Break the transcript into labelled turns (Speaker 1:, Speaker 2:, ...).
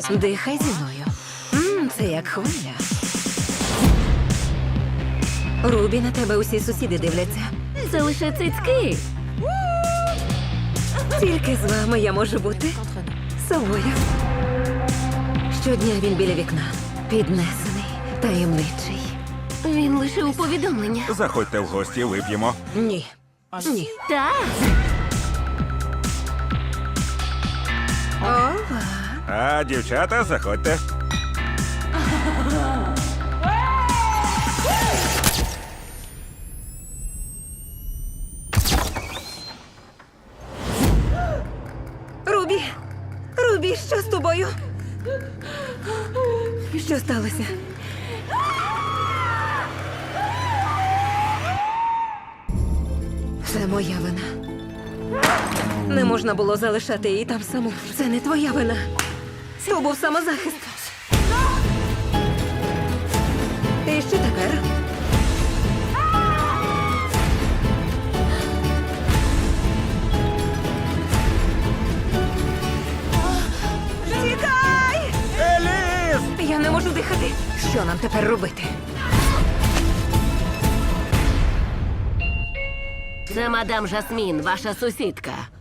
Speaker 1: Дихай зі мною. Це як хвиля. Рубі, на тебе усі сусіди дивляться.
Speaker 2: Це лише цицьки.
Speaker 1: Тільки з вами я можу бути собою. Щодня він біля вікна. Піднесений, таємничий.
Speaker 2: Він лише у повідомлення.
Speaker 3: Заходьте в гості, вип'ємо.
Speaker 1: Ні. Ні.
Speaker 2: Так.
Speaker 1: Ова.
Speaker 3: А, дівчата, заходьте.
Speaker 1: Рубі! Рубі, що з тобою? Що сталося? Це моя вина. Не можна було залишати її там саму. Це не твоя вина. То був самозахист. І що тепер? Тікай!
Speaker 3: Еліс!
Speaker 1: Я не можу дихати. Що нам тепер робити?
Speaker 2: Це мадам Жасмін, ваша сусідка.